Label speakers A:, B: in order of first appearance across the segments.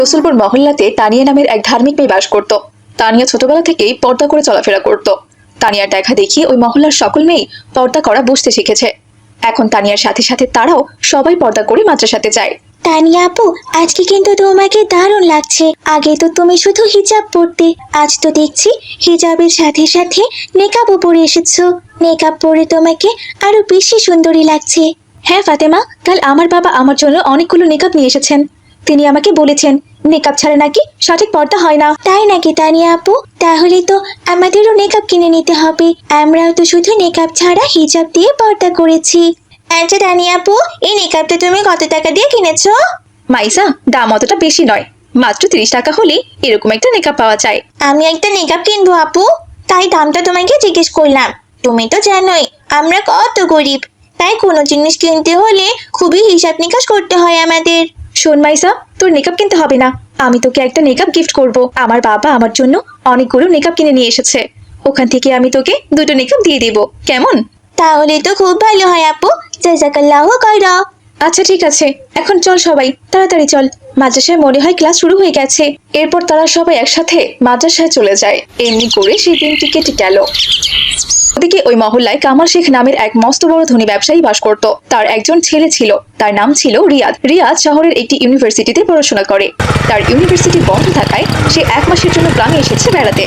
A: রসুলপুর মহল্লাতে তানিয়া নামের এক ধার্মিক মেয়ে বাস করত। তানিয়া ছোটবেলা থেকেই পর্দা করে চলাফেরা করত। তানিয়ার দেখা দেখি ওই মহল্লার সকল মেয়েই পর্দা করা বুঝতে শিখেছে। এখন তানিয়ার সাথে সাথে তারাও সবাই পর্দা করে মাদ্রাসাতে যায়।
B: তানিয়া আপু, আজকে কিন্তু তোমাকে দারুণ লাগছে। আগে তো তুমি শুধু হিজাব পরতে, আজ তো দেখছি হিজাবের সাথে সাথে নেকাবও পরে এসেছো। নেকাব পরে তোমাকে আরো বেশি সুন্দরী লাগছে।
A: হ্যাঁ ফাতেমা, কাল আমার বাবা আমার জন্য অনেকগুলো নেকাব নিয়ে এসেছেন। তিনি আমাকে বলেছেন নেকাব ছাড়া নাকি সঠিক পর্দা হয় না।
B: তাই নাকি তানিয়া আপু? তাহলে তো আমাদেরও নেকাব কিনে নিতে হবে। আমরাও তো শুধু নেকাব ছাড়া হিজাব দিয়ে পর্দা করেছি। আচ্ছা তানিয়া আপু, এই নেকাবটা তুমি কত টাকা দিয়ে কিনেছো?
A: মাইসা, দাম অতটা বেশি নয়, মাত্র 30 টাকা হলেই এরকম একটা নেকাব পাওয়া যায়।
B: আমি একটা নেকাব কিনবো আপু, তাই দামটা তোমাকে জিজ্ঞেস করলাম। তুমি তো জানোই আমরা কত গরিব, তাই কোনো জিনিস কিনতে হলে খুবই হিসাব নিকাশ করতে হয় আমাদের।
A: শোন মাইসা, তোর নেকাব কিনতে হবে না, আমি তোকে একটা নেকাব গিফট করব। আমার বাবা আমার জন্য অনেকগুলো নেকাব কিনে নিয়ে এসেছে, ওখান থেকে আমি তোকে দুটো নেকাব দিয়ে দেব, কেমন?
B: তাহলে তো খুব ভালো হয় আপু, জাযাকাল্লাহু খাইরা।
A: আচ্ছা ঠিক আছে, এখন চল সবাই তাড়াতাড়ি চল, মাদ্রাসায় মনে হয় ক্লাস শুরু হয়ে গেছে। এরপর তারা সবাই একসাথে মাদ্রাসায় চলে যায়। এমনি করে সেই দিনটি কেটে গেল। ওদিকে ওই মহল্লায় কামাল শেখ নামের এক মস্ত বড় ধনী ব্যবসায়ী বাস করত। তার একজন ছেলে ছিল, তার নাম ছিল রিয়াদ। রিয়াদ শহরের একটি ইউনিভার্সিটিতে পড়াশোনা করে। তার ইউনিভার্সিটি বন্ধ থাকায় সে 1 মাসের জন্য গ্রামে এসেছে বেড়াতে।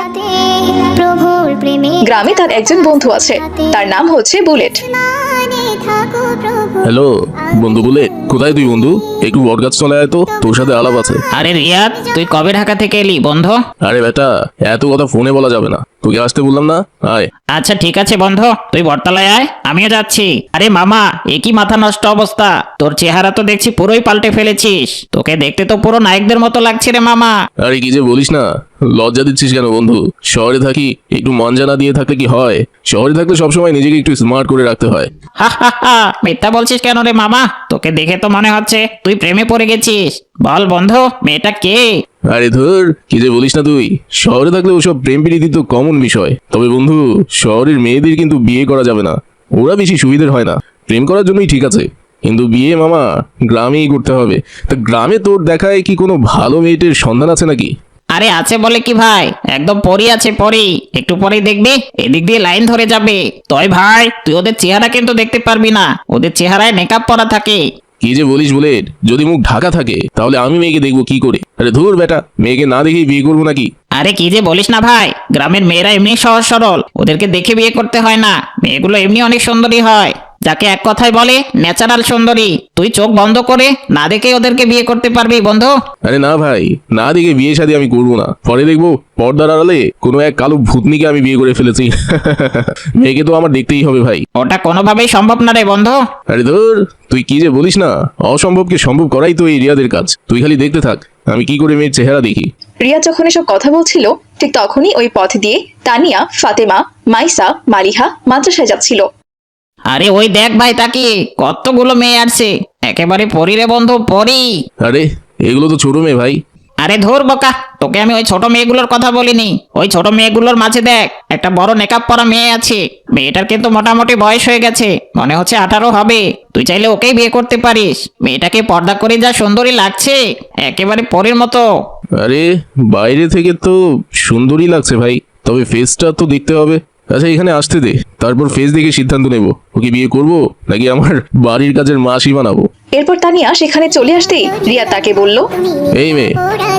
A: গ্রামে তার একজন বন্ধু আছে, তার নাম হচ্ছে বুলেট।
C: হ্যালো বন্ধু বুলেট, কোথায় তুই বন্ধু? একটু বটগাছ চলে আয় তো, তোর সাথে আলাপ আছে।
D: আরে রিয়াদ, তুই কবে ঢাকা থেকে এলি বন্ধু?
C: আরে বেটা, এত কথা ফোনে বলা যাবে না, তোকে আসতে বললাম না, আয়।
D: আচ্ছা ঠিক আছে বন্ধু, তুই বটতলায় আয়, আমিও যাচ্ছি। আরে মামা, একই মাথা নষ্ট অবস্থা, তোর চেহারা তো দেখছি পুরোই পাল্টে ফেলেছিস। তোকে দেখতে তো পুরো নায়কদের মতো লাগছে রে মামা।
C: আরে কি যে বলিস না, লজ্জা দিচ্ছিস কেন বন্ধু? শহরে থাকি, একটু মঞ্জানা দিয়ে থাকলে কি হয়? শহরে থাকলে সবসময় নিজেকে একটু স্মার্ট করে রাখতে হয়।
D: হা হা হা, মিথ্যা বলছিস কেন রে মামা? তোকে দেখে তো মনে হচ্ছে তুই প্রেমে পড়ে গেছিস। বল বন্ধু, মেয়েটা কে?
C: আরে ধর, কি যে বলিস না তুই, শহরে থাকলে ওসব প্রেম প্রীতি তো কমন বিষয়। তবে বন্ধু, শহরের মেয়েদের কিন্তু বিয়ে করা যাবে না, ওরা বেশি সুবিধের হয় না। প্রেম করার জন্যই ঠিক আছে, কিন্তু বিয়ে মামা গ্রামেই করতে হবে। তা গ্রামে তোর দেখায় কি কোনো ভালো মেয়েটের সন্ধান আছে নাকি?
D: আরে আছে বলে কি ভাই, একদম পরি আছে পরি। একটু পরেই দেখবি এদিক দিয়ে লাইন ধরে যাবে। তয় ভাই, তুই ওদের চেহারা কিন্তু দেখতে পারবি না, ওদের চেহারায় মেকআপ পরা থাকে।
C: কি যে বলিস বুলেট, যদি মুখ ঢাকা থাকে তাহলে আমি মেয়েকে দেখবো কি করে? আরে ধুর বেটা, মেয়েকে না দেখেই বিয়ে করবো নাকি?
D: আরে কি যে বলিস না ভাই, গ্রামের মেয়েরা এমনি সহজ সরল, ওদেরকে দেখে বিয়ে করতে হয় না। মেয়েগুলো এমনি অনেক সুন্দরী হয়, যাকে এক কথায় বলে ন্যাচারাল সুন্দরী। তুই চোখ বন্ধ করে না দেখে ওদেরকে বিয়ে করতে পারবি বন্ধু।
C: আরে না ভাই, না দেখে বিয়ে শাদী আমি করবো না। পরে দেখবো পর্দার আড়ালে কোনো এক কালো ভূতনিকে আমি বিয়ে করে ফেলেছি। মেয়েকে তো আমার দেখতেই হবে ভাই।
D: ওটা কোনোভাবেই সম্ভব না রে বন্ধু।
C: আরে ধর, তুই কি যে বলিস না, অসম্ভবকে সম্ভব করাই তো এই রিয়াদের কাজ। তুই খালি দেখতে থাক আমি কি করে মেয়ের চেহারা দেখি।
A: রিয়া যখন এসব কথা বলছিল, ঠিক তখনই ওই পথ দিয়ে তানিয়া, ফাতেমা, মাইসা, মালিহা মাদ্রাসায় যাচ্ছিল।
D: আরে ওই দেখ ভাই, তাকে কতগুলো মেয়ে আসছে, একেবারে পরি রে বন্ধু, পরি।
C: আরে এগুলো তো ছোট মেয়ে ভাই।
D: আরে ধুর বোকা, তোকে আমি ওই ছোট মেয়েগুলোর কথা বলিনি। ওই ছোট মেয়েগুলোর মাঝে দেখ, একটা বড় মেকআপ পরা মেয়ে আছে। মেয়েটার কিন্তু মোটামুটি বয়স হয়ে গেছে, মনে হচ্ছে 18 হবে। তুই চাইলে ওকেই বিয়ে করতে পারিস। মেয়েটাকে পর্দা করে যা সুন্দরী লাগছে, একেবারে পরীর মতো।
C: আরে বাইরে থেকে তো সুন্দরই লাগছে ভাই, তবে ফেসটা তো দেখতে হবে। আচ্ছা এখানে আসতে দে, তারপর ফেস দেখে সিদ্ধান্ত নেব ওকে বিয়ে করব নাকি আমার বাড়ির কাজের মাসি বানাবো।
A: এরপর তানিয়া সেখানে চলে আসতেই রিয়া তাকে বলল,
C: এই মেয়ে,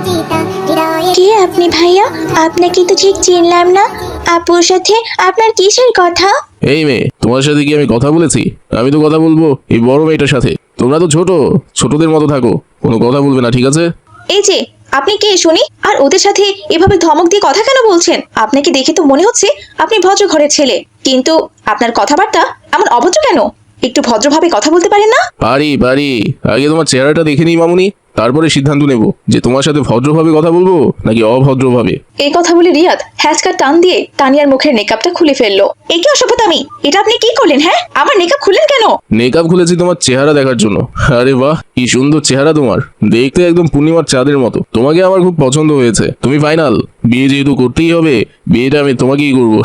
B: কে আপনি ভাইয়া? আপনাকে তো ঠিক চিনলাম না। আপুর সাথে আপনার কিসের কথা?
C: এই মেয়ে, তোমার সাথে কি আমি কথা বলেছি? আমি তো কথা বলবো এই বড় মেয়েটার সাথে। তোমরা তো ছোট, ছোটদের মতো থাকো, কোনো কথা বলবে না, ঠিক আছে?
A: এই যে আপনি কে শুনি, আর ওদের সাথে এভাবে ধমক দিয়ে কথা কেন বলছেন? আপনাকে দেখে তো মনে হচ্ছে আপনি ভদ্র ঘরের ছেলে, কিন্তু আপনার কথাবার্তা এমন অভদ্র কেন? একটু ভদ্রভাবে কথা বলতে পারেন না?
C: পারি পারি, আগে তোমার চেহারাটা দেখে নিই মামুনি, তারপরে সিদ্ধান্ত নেব যে তোমার সাথে ভদ্রভাবে কথা বলবো নাকি অভদ্রভাবে।
A: এই কথা বলে রিয়াদ হ্যাচকা টান দিয়ে তানিয়ার মুখের নেকাবটা খুলে ফেললো। এই কি অসভ্যতামি, এটা আপনি কি করলেন? হ্যাঁ, আমার নেকাব খুললেন কেন?
C: মেকআপ খুলেছি তোমার চেহারা দেখার জন্য। আরে বাহ, কি সুন্দর চেহারা তোমার, দেখতে একদম পূর্ণিমার চাঁদের মতো। তোমাকে আমার খুব পছন্দ হয়েছে, তুমি ফাইনাল। বিয়ে যেহেতু করতেই হবে, বিয়েটা আমি তোমাকেই করবো।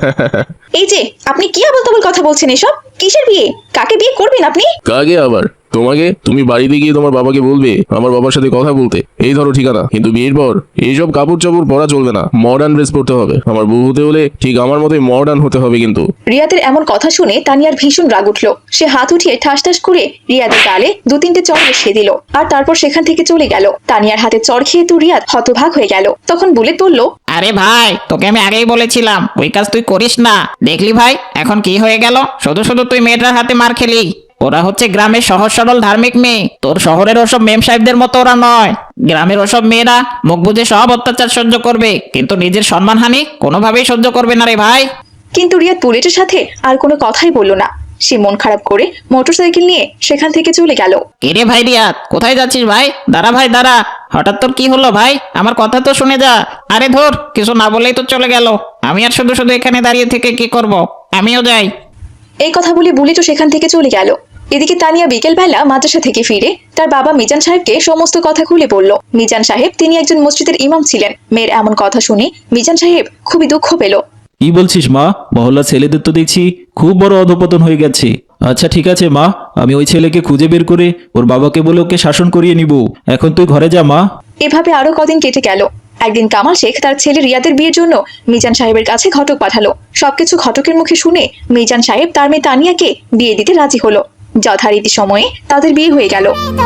A: এই যে আপনি কি আবল তাবল কথা বলছেন এসব? কিসের বিয়ে? কাকে বিয়ে করবেন আপনি?
C: কাকে আবার? তুমি বাড়িতে গিয়ে তোমার বাবাকে বলবে আমার বাবার সাথে কথা বলতে, এই ধরো ঠিকানা। কিন্তু বিয়ের পর এইসব কাপড় চাপড় পরা চলবে না, মডার্ন ড্রেস পরতে হবে। আমার বউ হতে হলে ঠিক আমার মতোই মডার্ন হতে হবে কিন্তু।
A: রিয়াদের এমন কথা শুনে তানিয়ার ভীষণ রাগ উঠলো। সে হাত উঠিয়ে ঠাস ঠাস করে রিয়াদের গালে 2-3টে চড় বসিয়ে দিল, আর তারপর সেখান থেকে চলে গেল। তানিয়ার হাতে চড় খেয়ে তো রিয়াদ হতভাগ হয়ে গেল। তখন বুলেট বলল,
D: আরে ভাই, তোকে আমি আগেই বলেছিলাম ওই কাজ তুই করিস না। দেখলি ভাই এখন কি হয়ে গেল, শুধু শুধু তুই মেয়েটার হাতে মার খেলি। ওরা হচ্ছে গ্রামের সহজ সরল ধার্মিক মেয়ে, তোর শহরের ওসব মেম সাহেবদের মতো ওরা নয়। গ্রামের ওসব মেয়েরা মুখ বুজে সব অত্যাচার সহ্য করবে, কিন্তু নিজের সম্মানহানি কোনোভাবেই সহ্য করবে না রে ভাই।
A: কিন্তু রিয়াদ বুলেটের সাথে আর কোনো কথাই বলল না। সে মন খারাপ করে মোটরসাইকেল নিয়ে সেখান থেকে চলে গেল।
D: কিরে ভাই রিয়াদ, কোথায় যাচ্ছিস ভাই? দাঁড়া ভাই দাঁড়া, হঠাৎ তোর কি হলো ভাই? আমার কথা তো শুনে যা। আরে ধর, কিছু না বলেই তো চলে গেল। আমি আর শুধু শুধু এখানে দাঁড়িয়ে থেকে কি করব? আমিও যাই।
A: এই কথা বলে বুলেটও সেখান থেকে চলে গেল। এদিকে তানিয়া বিকেলবেলা মাদ্রাসা থেকে ফিরে তার বাবা মিজান সাহেবকে সমস্ত কথা খুলে বলল। মিজান সাহেব তিনি একজন মসজিদের ইমাম ছিলেন। মেয়ের এমন কথা শুনে মিজান সাহেব খুবই দুঃখ পেল।
E: কি বলছিস মা? মহল্লা ছেলেদের তো দেখছি খুব বড় অধপতন হয়ে গেছে। আচ্ছা ঠিক আছে মা, আমি ওই ছেলেকে খুঁজে বের করে ওর বাবাকে বলে ওকে শাসন করিয়ে নিব। এখন তুই ঘরে যা মা।
A: এভাবে আরো কদিন কেটে গেল। একদিন কামাল শেখ তার ছেলে রিয়াদের বিয়ের জন্য মিজান সাহেবের কাছে ঘটক পাঠালো। সবকিছু ঘটকের মুখে শুনে মিজান সাহেব তার মেয়ে তানিয়াকে বিয়ে দিতে রাজি হলো। যথারীতি সময়ে তাদের বিয়ে হয়ে গেল।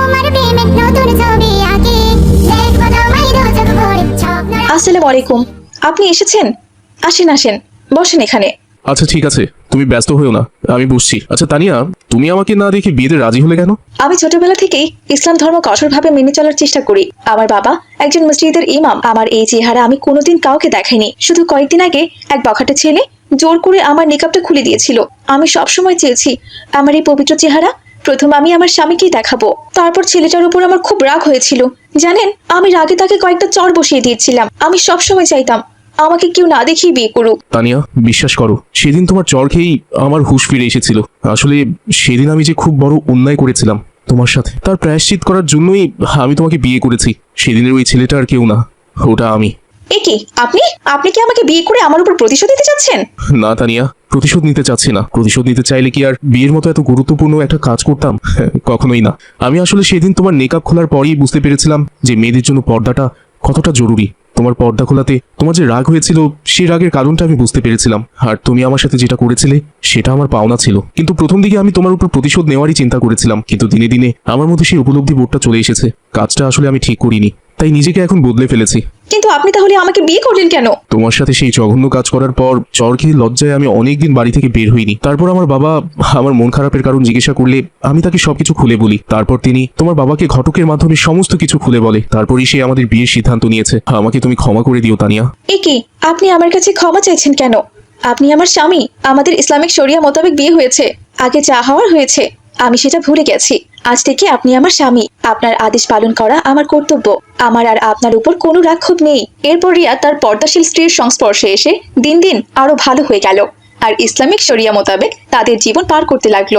A: আসসালামু আলাইকুম, আপনি এসেছেন? আসেন আসেন, বসেন এখানে।
C: আচ্ছা ঠিক আছে, তুমি ব্যস্ত হয়েও না, আমি বুঝছি। আচ্ছা তানিয়া, তুমি আমাকে না দেখে বিয়েতে রাজি হলে কেন?
A: আমি ছোটবেলা থেকেই ইসলাম ধর্ম কঠোরভাবে মেনে চলার চেষ্টা করি। আমার বাবা একজন মসজিদের ইমাম। আমার এই চেহারা আমি কোনোদিন কাউকে দেখাইনি। শুধু কয়েকদিন আগে এক বখাটে ছেলে জোর করে আমার নিকাবটা খুলে দিয়েছিল। আমি সবসময় চেয়েছি আমার এই পবিত্র চেহারা প্রথম আমি আমার স্বামীকেই দেখাবো। তারপর ছেলেটার উপর আমার খুব রাগ হয়েছিল। জানেন, আমি রাগে তাকে কয়েকটা চড় বসিয়ে দিয়েছিলাম। আমি সবসময় চাইতাম আমাকে কেউ না দেখেই বিয়ে করুক।
C: তানিয়া, বিশ্বাস করো, সেদিন তোমার চড় খেয়েই আমার হুঁশ ফিরে এসেছিল। আসলে সেদিন আমি যে খুব বড় অন্যায় করেছিলাম তোমার সাথে, তার প্রায়শ্চিত করার জন্যই আমি তোমাকে বিয়ে করেছি। সেদিনের ওই ছেলেটা আর কেউ না, ওটা আমি।
A: এ কি, আপনি আপনি কি আমাকে বিয়ে করে আমার উপর প্রতিশোধ দিতে চাচ্ছেন?
C: না তানিয়া, প্রতিশোধ নিতে চাচ্ছি না। প্রতিশোধ নিতে চাইলে কি আর বিয়ের মতো এত গুরুত্বপূর্ণ একটা কাজ করতাম? কখনোই না। আমি আসলে সেদিন তোমার নেকাব খোলার পরেই বুঝতে পেরেছিলাম যে মেয়েদের জন্য পর্দাটা কতটা জরুরি। তোমার পর্দা খোলাতে তোমার যে রাগ হয়েছিল, সেই রাগের কারণটা আমি বুঝতে পেরেছিলাম। আর তুমি আমার সাথে যেটা করেছিলে সেটা আমার পাওনা ছিল। কিন্তু প্রথম দিকে আমি তোমার উপর প্রতিশোধ নেওয়ারই চিন্তা করেছিলাম, কিন্তু দিনে দিনে আমার মধ্যে সেই উপলব্ধি বোধটা চলে এসেছে। কাজটা আসলে আমি ঠিক করিনি, তাই নিজেকে এখন বদলে ফেলেছি।
A: কিন্তু আপনি তাহলে আমাকে বিয়ে করলেন কেন?
C: তোমার সাথে সেই জঘন্য কাজ করার পর চর খেয়ে লজ্জায় আমি অনেকদিন বাড়ি থেকে বের হইনি। তারপর আমার বাবা আমার মন খারাপের কারণ জিজ্ঞাসা করলে আমি তাকে সবকিছু খুলে বলি। তারপর তিনি তোমার বাবাকে ঘটকের মাধ্যমে সমস্ত কিছু খুলে বলে। তারপরই সে আমাদের বিয়ের সিদ্ধান্ত নিয়েছে। আমাকে তুমি ক্ষমা করে দিও তানিয়া।
A: এ কি, আপনি আমার কাছে ক্ষমা চাইছেন কেন? আপনি আমার স্বামী। আমাদের ইসলামিক শরিয়া মোতাবেক বিয়ে হয়েছে। আগে যা হওয়ার হয়েছে, আমি সেটা ভুলে গেছি। আজ থেকে আপনি আমার স্বামী। আপনার আদেশ পালন করা আমার কর্তব্য। আমার আর আপনার উপর কোনো রাক্ষোভ নেই। এরপর রিয়া তার পর্দাশীল স্ত্রীর সংস্পর্শে এসে দিন দিন আরো ভালো হয়ে গেল, আর ইসলামিক শরিয়া মোতাবেক তাদের জীবন পার করতে লাগলো।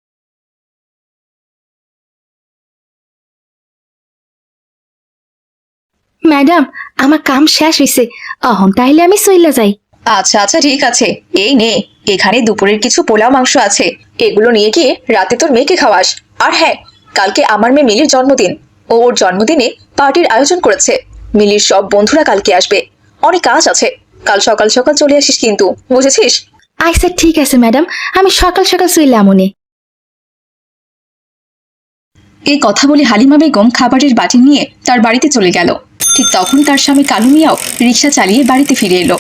B: ম্যাডাম, আমার কাম শেষ হইছে। অহন তাইলে আমি চইলা যাই।
A: আচ্ছা আচ্ছা ঠিক আছে, এই নে, এখানে দুপুরের কিছু পোলাও মাংস আছে। এগুলো নিয়ে গিয়ে রাতে তোর মেয়েকে খাওয়াস। আর হ্যাঁ, কালকে আমার মেয়ে মিলির জন্মদিন। ও ওর জন্মদিনে পার্টির আয়োজন করেছে। মিলির সব বন্ধুরা কালকে আসবে। অনেক কাজ আছে, কাল সকাল সকাল চলে আসিস কিন্তু, বুঝেছিস?
B: আচ্ছা ঠিক আছে ম্যাডাম, আমি সকাল সকাল চইলা আমনে।
A: এই কথা বলে হালিমা বেগম খাবারের বাটি নিয়ে তার বাড়িতে চলে গেল। ঠিক তখন তার স্বামী কালু মিয়াও রিক্সা চালিয়ে বাড়িতে ফিরে এলো।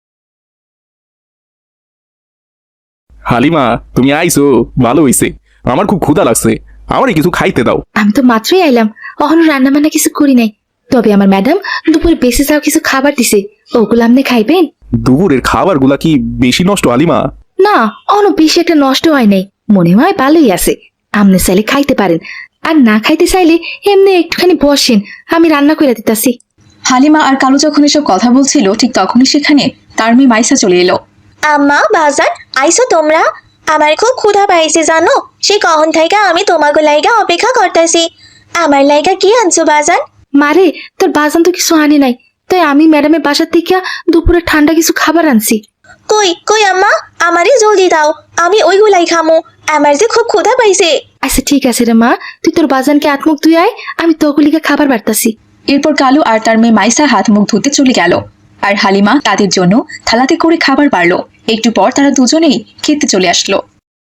F: হালিমা, তুমি আইছো, ভালো হইছে। আমার খুব ক্ষুধা লাগছে, আমারই কিছু খাইতে দাও।
B: আমি তো মাত্রই আইলাম, অহনো রান্না বান্না কিছু করি নাই। তবে আমার ম্যাডাম দুপুরে বেঁচে যাও কিছু খাবার দিছে, ওগুলো আপনি খাইবেন?
F: দুপুরের খাবারগুলা কি বেশি নষ্ট হালিমা?
B: না, অন বেশি একটা নষ্ট হয় নাই, মনে হয় ভালোই আছে। আপনি চাইলে খাইতে পারেন, আর না খাইতে চাইলে এমনি একটুখানি বসেন, আমি রান্না করে দিতাছি।
A: হালিমা আর কালু যখন এসব কথা বলছিল, ঠিক তখনই সেখানে তার মেয়ে মাইসা চলে এলো।
G: আম্মা বাজান, আইসো তোমরা? আমার খুব ক্ষুধা পাইছে জানো, সে কখন থেকে আমি তোমাকে লাইগা অপেক্ষা করতেছি। আমার লাইগা কি আনছো বাজান?
B: মারে, তোর বাজান তো কিছু আনে নাই, তাই আমি ম্যাডামের বাসার থেকে দুপুরে ঠান্ডা কিছু খাবার আনছি।
G: কই কই আম্মা, আমারই জলদি দাও, আমি ওইগুলাই খামো। আমার যে খুব ক্ষুধা পাইছে।
H: আচ্ছা ঠিক আছে রে মা, তুই তোর বাজানকে আত্মুখ ধুই আয়, আমি তোগুলিকে খাবার বাড়তাছি।
A: এরপর কালু আর তার মেয়ে মাইসা হাত মুখ ধুতে চলে গেল, আর হালিমা তাদের জন্য থালাতে করে খাবার বাড়লো। একটু পর তারা দুজনেই খেতে চলে আসলো।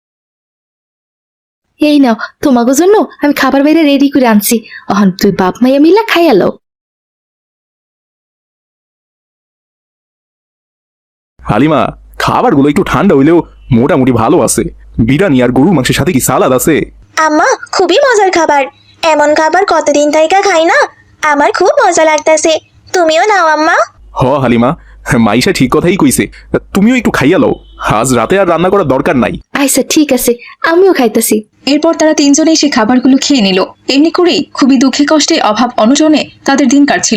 H: এই নাও, তোমাকে জন্য আমি খাবার বাইরে রেডি করে আনছি, অহন তুই বাপ মাইয়া মিলা খাইয়ালো।
F: হালিমা, খাবারগুলো একটু ঠান্ডা হইলেও মোটামুটি ভালো আছে। বিরিয়ানি আর গরুর মাংসের সাথে কি সালাদ আছে?
G: আম্মা খুবই মজার খাবার, এমন খাবার কতদিন থেকে খাই না, আমার খুব মজা লাগতাছে। তুমিও নাও আম্মা।
F: হ হালিমা, মাইশা ঠিক কথাই কইছে, তুমিও একটু খাইয়া লও, আজ রাতে আর রান্না করার দরকার নাই।
H: আচ্ছা ঠিক আছে, আমিও খাইতাছি।
A: এরপর তারা তিনজনেই সেই খাবারগুলো খেয়ে নিল। এমনি করেই খুবই দুঃখে কষ্টে অভাব অনটনে তাদের দিন কাটছিল।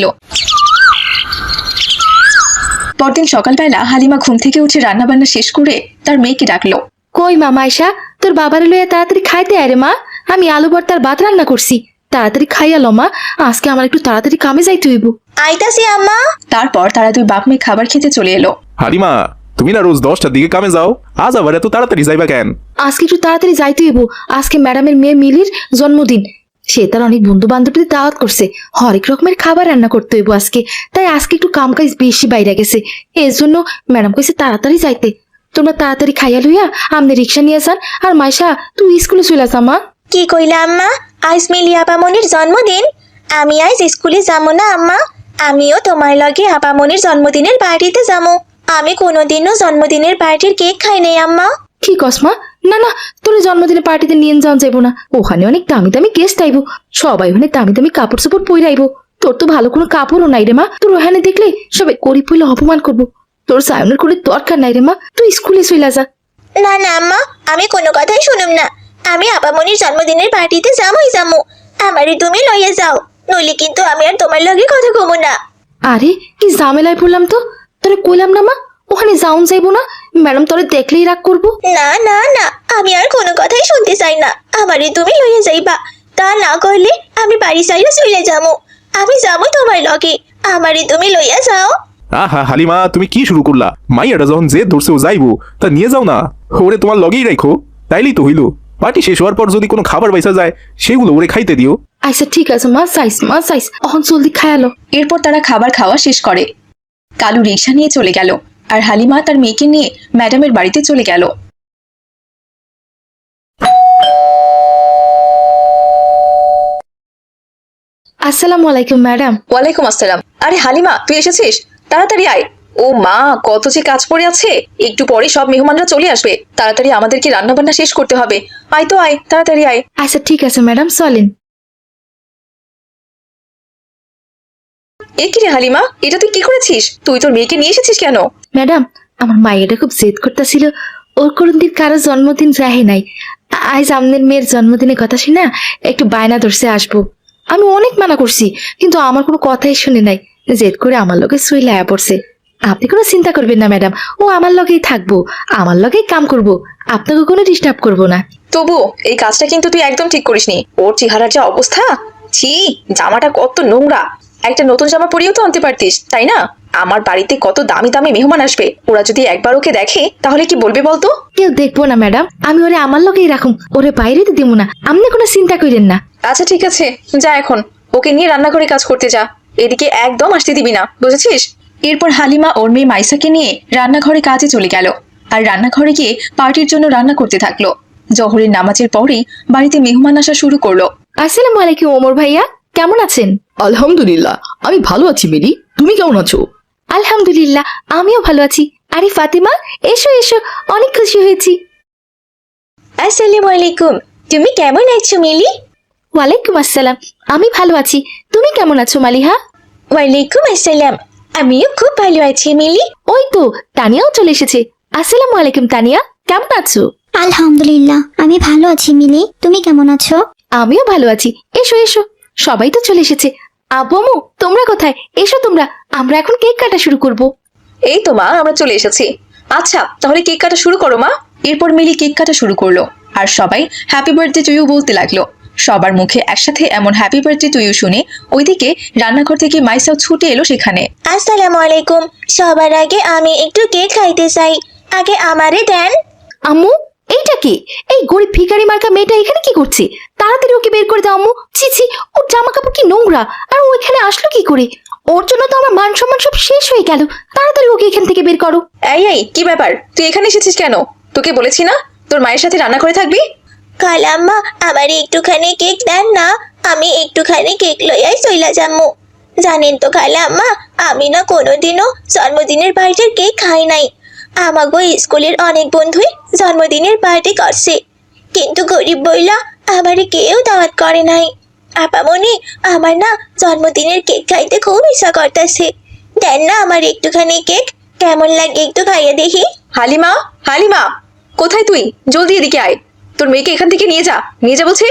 A: পরদিন সকালবেলা হালিমা ঘুম থেকে উঠে রান্নাবান্না শেষ করে তার মেয়েকে ডাকলো।
H: কই মা মাইশা, তোর বাবারে লইয়া তাড়াতাড়ি খাইতে আয় রে মা, আমি আলু ভর্তার ভাত রান্না করছি, তাড়াতাড়ি খাইয়ালো মা, আজকে আমার একটু তাড়াতাড়ি কামে যাইতে হইব।
G: আইতাছি আম্মা।
A: তারপর তারা দুই বাপ মেয়ে খাবার খেতে চলে এলো।
F: হালিমা, তুমি না রোজ 10টার দিকে কামে যাও, আজ আবার এত তাড়াতাড়ি যাইবা কেন?
H: আজকে একটু তাড়াতাড়ি যাইতে হইব, আজকে ম্যাডামের মেয়ে মিলির জন্মদিন, সে তার অনেক বন্ধু বান্ধবদের দাওয়াত করছে, হরেক রকমের খাবার রান্না করতে হইব আজকে, তাই আজকে একটু কাম কাজ বেশি বাইরে গেছে, এর জন্য ম্যাডাম কইছে তাড়াতাড়ি যাইতে। তোমরা তাড়াতাড়ি খাইয়া লইয়া আমনে রিক্সা নিয়ে যান, আর মাইশা তুই স্কুলে চলে যা মা।
G: কি কইলা আম্মা? আজ মিলি আপামনির জন্মদিন, আমি আজ স্কুলে যাবো না আম্মা, আমিও তোমার লগে আপামনির জন্মদিনের পার্টিতে যাবো। আমি কোনোদিনও জন্মদিনের পার্টির কেক খাই নাই আম্মা।
H: কি কস মা? না না, তোর জন্মদিনের পার্টিতে নিয়ে যাওয়া যাইব না, ওখানে অনেক দামি দামি গেস্ট আইব, সবাই ওখানে দামি দামি কাপড় চোপড় পরে আইব, তোর তো ভালো কোনো কাপড়ও নাই রে মা, তোর ওখানে দেখলে সবাই করি পইলে অপমান করবো, তোর সায়নের করে দরকার নাই রে মা, তুই স্কুলে চলে যা।
G: না না আম্মা, আমি কোনো কথাই শুনুম না, আমি আপামনির জন্মদিনের পার্টিতে যাবোই যাবো, আমারই তুমি লইয়া যাও, নইলে কিন্তু আমি আর তোমার লগে কথা কমু না।
H: আরে কি ঝামেলায় পড়লাম তো, তোরে কইলাম না মা ওখানে যাউন যাইবো না, ম্যাডাম তোরে দেখলেই রাগ করবো।
G: না না না, আমি আর কোনো কথাই শুনতে চাই না, আমারই তুমি লইয়া যাইবা, তা না করলে আমি বাড়ি চাইলে চলে যাবো, আমি যাবো তোমার লগে, আমারই তুমি লইয়া যাও।
F: আহা হালিমা, তুমি কি শুরু করলা? মাইয়াটা যখন যে ধরছে ও যাইবো, তা নিয়ে যাও না, ওরে তোমার লগেই রাখো, তাইলেই তো হইলো। পার্টি শেষ হওয়ার পর যদি কোনো খাবার বাইসা যায়, সেগুলো ওরে খাইতে দিও।
H: আচ্ছা ঠিক আছে মা, চাইস এখন জলদি খায়ালো।
A: এরপর তারা খাবার খাওয়া শেষ করে। কালু রিক্সা নিয়ে চলে গেল, আর হালিমা তার মেয়েকে নিয়ে ম্যাডামের বাড়িতে চলে গেল।
H: আসসালামু আলাইকুম ম্যাডাম।
A: ওয়ালাইকুম আসসালাম। আরে হালিমা, তুই এসেছিস, তাড়াতাড়ি আয়। ও মা, কত যে কাজ পড়ে আছে, একটু পরে সব মেহমানরা চলে আসবে, তাড়াতাড়ি আমাদেরকে রান্না বান্না শেষ করতে হবে। আয় তো আয়, তাড়াতাড়ি আয়।
H: আচ্ছা ঠিক আছে ম্যাডাম, চলেন।
A: এ কি রে হালিমা, এটা তুই কি করেছিস? তুই তোর মেয়েকে নিয়ে এসেছিস কেন?
H: ম্যাডাম, আমার মায়েরা খুব জেদ করতেছিল, ওর কোনদিন কারো জন্মদিন রাহে নাই, আজ আমনের মেয়ের জন্মদিনের কথা শুনা একটু বায়না ধরছে আসবো, আমি অনেক মানা করছি কিন্তু আমার কোনো কথাই শুনে নাই, জেদ করে আমার লগে শুইলে আয়া পড়ছে। আপনি কোনো চিন্তা করবেন না ম্যাডাম, ও আমার লগেই থাকবো, আমার লগেই কাম করব, আপনাকে কোনো ডিস্টার্ব করবো না।
A: তবু এই কাজটা কিন্তু তুই একদম ঠিক করিসনি। ওর চেহারার যা অবস্থা, ছি, জামাটা কত নোংরা, একটা নতুন জামা পরিয়েও তো আনতে পারতিস, তাই না? আমার বাড়িতে কত দামি দামি মেহমান আসবে, ওরা যদি একবার ওকে দেখে তাহলে কি বলবে বলতো?
H: কেউ দেখবো না ম্যাডাম, আমি ওরে আমার লগেই রাখুম, ওরে বাইরে তো দিব না, আপনি কোনো চিন্তা করেন না।
A: আচ্ছা ঠিক আছে, যা এখন ওকে নিয়ে রান্নাঘরে কাজ করতে যা, এদিকে একদম আসতে দিবি না, বুঝেছিস? এরপর হালিমা ওর মেয়ে মাইসাকে নিয়ে রান্নাঘরে কাজে চলে গেল, আর রান্নাঘরে গিয়ে পার্টির জন্য রান্না করতে থাকলো। জহরের নামাজের পরেই বাড়িতে মেহমান আসা শুরু করলো।
H: আসসালামু আলাইকুম ওমর ভাইয়া, কেমন আছেন?
I: আলহামদুলিল্লাহ, আমি ভালো আছি মিলি, তুমি কেমন আছো?
H: আলহামদুলিল্লাহ, আমিও ভালো আছি। আরে ফাতিমা, এসো এসো, অনেক খুশি হয়েছি।
G: আসসালামু আলাইকুম, তুমি কেমন আছো মিলি?
H: ওয়ালাইকুম আসসালাম, আমি ভালো আছি, তুমি কেমন আছো মালিহা?
G: ওয়ালাইকুম আসসালাম, আমিও খুব ভালো আছি মিলি।
H: ওই তো তানিয়াও চলে এসেছে। আসসালামু আলাইকুম তানিয়া, কেমন আছো?
B: আলহামদুলিল্লাহ, আমি ভালো আছি মিলি, তুমি কেমন আছো?
H: আমিও ভালো আছি। এসো এসো, সবাই তো চলে এসেছে। আব্বু আম্মু, তোমরা কোথায়? এসো তোমরা, আমরা এখন কেক কাটা শুরু করব।
A: এই তো মা, আমরা চলে এসেছি। আচ্ছা তাহলে কেক কাটা শুরু করো মা। এরপর মিলি কেক কাটা শুরু করলো, আর সবাই হ্যাপি বার্থডে টু ইউ বলতে লাগলো। সবার মুখে একসাথে এমন হ্যাপি বার্থডে টু ইউ শুনে ওইদিকে রান্নাঘর থেকে মাইসাও ছুটে এলো সেখানে।
G: আসসালামু আলাইকুম, সবার আগে আমি একটু কেক খাইতে চাই, আগে আমারে দেন।
H: আম্মু, এইটা কি? এই গরিব ভিখারি মার্কা মেয়েটা এখানে কি করছে? তাড়াতাড়ি ওকে বের করে দাও আম্মু। ছি ছি, ওর জামা কাপড় কি নোংরা, আর ও এখানে আসলো কি করে? ওর জন্য তো আমার মান সম্মান সব শেষ হয়ে গেল। তাড়াতাড়ি ওকে এখান থেকে বের করো।
A: এই কি ব্যাপার, তুই এখানে এসেছিস কেন? তোকে বলেছি না তোর মায়ের সাথে রান্না করে থাকবি?
G: খালাম্মা, আমার একটুখানি কেক দেন না, আমি একটুখানি কেক লইয়াই চইলা যামু। জানেন তো খালাম্মা, আমি না কোনোদিনও জন্মদিনের পার্টির কেক খাই নাই। আমাগো স্কুলের অনেক বন্ধুই জন্মদিনের পার্টি করছে, কিন্তু গরিব বইলা আমার কেউ দাওয়াত করে নাই। আপামনি, আমার না জন্মদিনের কেক খাইতে খুব ইচ্ছা করতেছে। দেন না আমার একটুখানি কেক, কেমন লাগে একটু খাইয়ে দেখি।
A: হালিমা, হালিমা, কোথায় তুই? জলদি এদিকে আয়, তোর মেয়েকে এখান থেকে নিয়ে যা বলছি।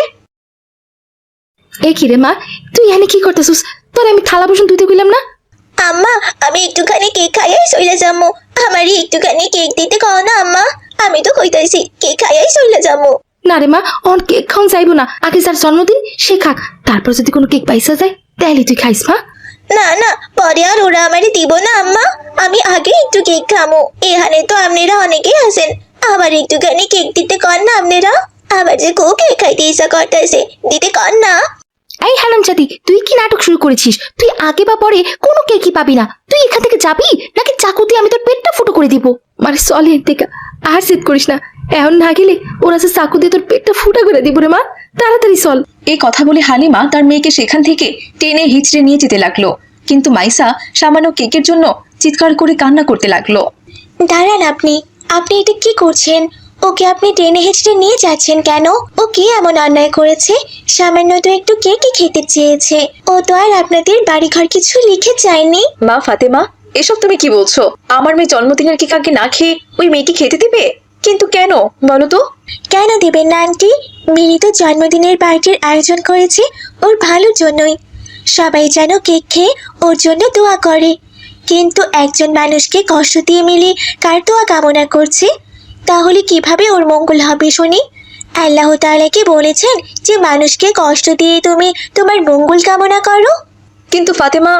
H: এ কি রে মা, তুই এখানে কি করতেছিস? তোর আমি থালা বাসন ধুতে কইলাম না?
G: আম্মা, আমি একটুখানি কেক খাইয়াই চলে যাবো। আমারই একটুখানি কেক দিতে কও না আম্মা, আমি তো কইতাছি কেক খাইয়াই চলে যাবো।
H: না রে মা, অন কেক খাওয়ান যাইবো না। আগে যার জন্মদিন সে খাক, তারপর যদি কোনো কেক পাইসা যায় তাহলে তুই খাইস মা।
G: না না, পরে আর ওরা আমারে দিব না আম্মা, আমি আগে একটু কেক খামো। এখানে তো আপনারা অনেকেই আছেন, আবার একটুখানি কেক দিতে কর না আপনারা। আবার যে খুব কেক খাইতে ইচ্ছা করতেছে, দিতে কর না।
H: এই হারামজাদি, তুই কি নাটক শুরু করেছিস? তুই আগে বা পরে কোনো কেকই পাবি না। তুই এখান থেকে যাবি নাকি চাকু দিয়ে আমি তোর পেটটা ফুটো করে দিব? মানে চল এর থেকে, আর জেদ করিস না। এখন না গেলে ওরা যে চাকু দিয়ে তোর পেটটা ফুটা করে দিব রে মা। তাড়াতাড়ি চল।
A: এই কথা বলে হালিমা তার মেয়েকে সেখান থেকে টেনে হিচড়ে নিয়ে যেতে লাগলো, কিন্তু মাইসা সামান্য কেকের জন্য চিৎকার করে কান্না করতে লাগলো।
G: দাঁড়ান, আপনি আপনি এটা কি করছেন? ওকে আপনি টেনে হেঁচড়ে নিয়ে যাচ্ছেন কেন? ও কি এমন অন্যায় করেছে? সামান্য তো একটু কেকই খেতে চেয়েছে, ও তো আর আপনাদের বাড়িঘর কিছু লিখে চায়নি।
A: মা ফাতেমা, এসব তুমি কি বলছো? আমার মেয়ে জন্মদিনের কেক আগে না খেয়ে ওই মেয়েকে খেতে দিবে? কিন্তু কেন বলো তো?
G: কেন দেবেন না আন্টি? মিনি তো জন্মদিনের পার্টির আয়োজন করেছে ওর ভালোর জন্যই। সবাই যেন কেক খেয়ে ওর জন্য দোয়া করে, কিন্তু একজন মানুষকে কষ্ট দিয়ে মিলি কার দোয়া কামনা করছে? তাহলে কিভাবে ওর মঙ্গল হবে শুনি? আল্লাহ তাআলা কি বলেছেন যে মানুষকে কষ্ট দিয়ে তুমি তোমার মঙ্গল কামনা করো?
A: কিন্তু ফাতেমা।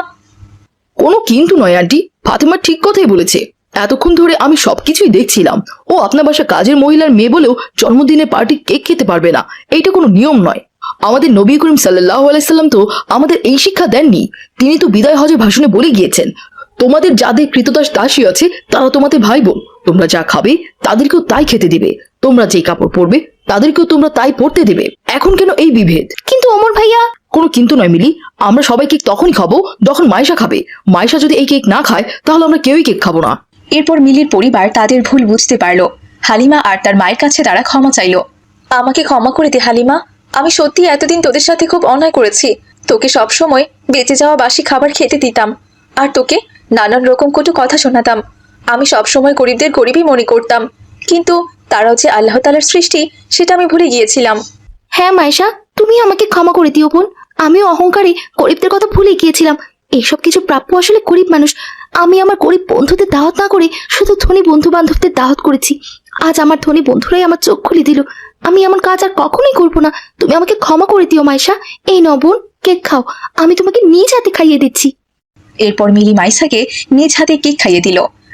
I: কোনো কিন্তু নয় আন্টি, ফাতেমা ঠিক কথাই বলেছে। এতক্ষণ ধরে আমি সবকিছুই দেখছিলাম। ও আপনার বাসা কাজের মহিলার মেয়ে বলেও জন্মদিনে পার্টি কেক খেতে পারবে না, এইটা কোনো নিয়ম নয়। আমাদের নবী করিম সাল্লাল্লাহু আলাইহি সাল্লাম তো আমাদের এই শিক্ষা দেননি। তিনি তো বিদায় হজের ভাষণে বলে গিয়েছেন, তোমাদের যাদের কৃতদাস দাসী আছে তারা তোমাদের ভাই বোন। তোমরা যা খাবে তাদেরকেও তাই খেতে দিবে, তোমরা যে কাপড় পরবে তাদেরকেও তোমরা তাই পরতে দেবে। এখন কেন এই বিভেদ?
H: কিন্তু ওমর ভাইয়া।
I: কোনো কিন্তু নয় মিলি, আমরা সবাই কেক তখনই খাবো যখন মাইশা খাবে। মাইশা যদি এই কেক না খায় তাহলে আমরা কেউই কেক খাবো না।
A: এরপর মিলির পরিবার তাদের ভুল বুঝতে পারলো। হালিমা আর তার মায়ের কাছে তারা ক্ষমা চাইলো। আমাকে ক্ষমা করে দে হালিমা, আমি সত্যি এতদিন তোদের সাথে খুব অন্যায় করেছি। তোকে সবসময় বেঁচে যাওয়া বাসি খাবার খেতে দিতাম, আর তোকে নানান রকম কটু কথা শোনাতাম। আমি সবসময় গরিবদের গরিবই মনে করতাম, কিন্তু তারাও যে আল্লাহ তাআলার সৃষ্টি সেটা আমি ভুলে গিয়েছিলাম।
H: হ্যাঁ মাইশা, তুমি আমাকে ক্ষমা করে দিও বোন। আমিও অহংকারে গরিবদের কথা ভুলে গিয়েছিলাম। এইসব কিছু প্রাপ্য আসলে গরিব মানুষ। আমি আমার গরিব বন্ধুদের দাওয়াত না করে শুধু ধনী বন্ধু বান্ধবদের দাওয়াত করেছি। আজ আমার ধনী বন্ধুরাই আমার চোখ খুলে দিল। আমি এমন কাজ আর কখনোই করবো না। তুমি আমাকে ক্ষমা করে দিও মাইশা। এই নাও বোন, কেক খাও, আমি তোমাকে নিজ হাতে খাইয়ে দিচ্ছি।
A: এরপর মিলি মাইসাকে নিজ হাতে কেক খাইয়ে দিল।